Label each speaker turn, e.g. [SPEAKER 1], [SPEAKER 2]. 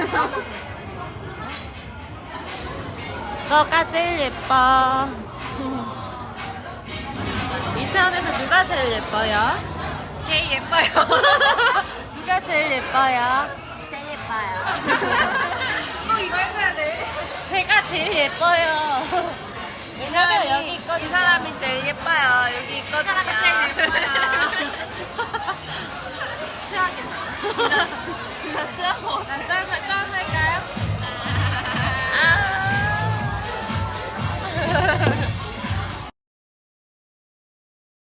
[SPEAKER 1] 너가 제일 예뻐. 이태원에서 누가 제일 예뻐요?
[SPEAKER 2] 제일 예뻐요.
[SPEAKER 1] 누가 제일 예뻐요?
[SPEAKER 2] 제일 예뻐요. 이거 해줘야 돼.
[SPEAKER 1] 제가 제일 예뻐요. 왜냐면 여기 있거든요.
[SPEAKER 2] 이 사람이 제일 예뻐요. 여기 있거든요. 이 사람이 제일 예뻐요.
[SPEAKER 1] 최악이다.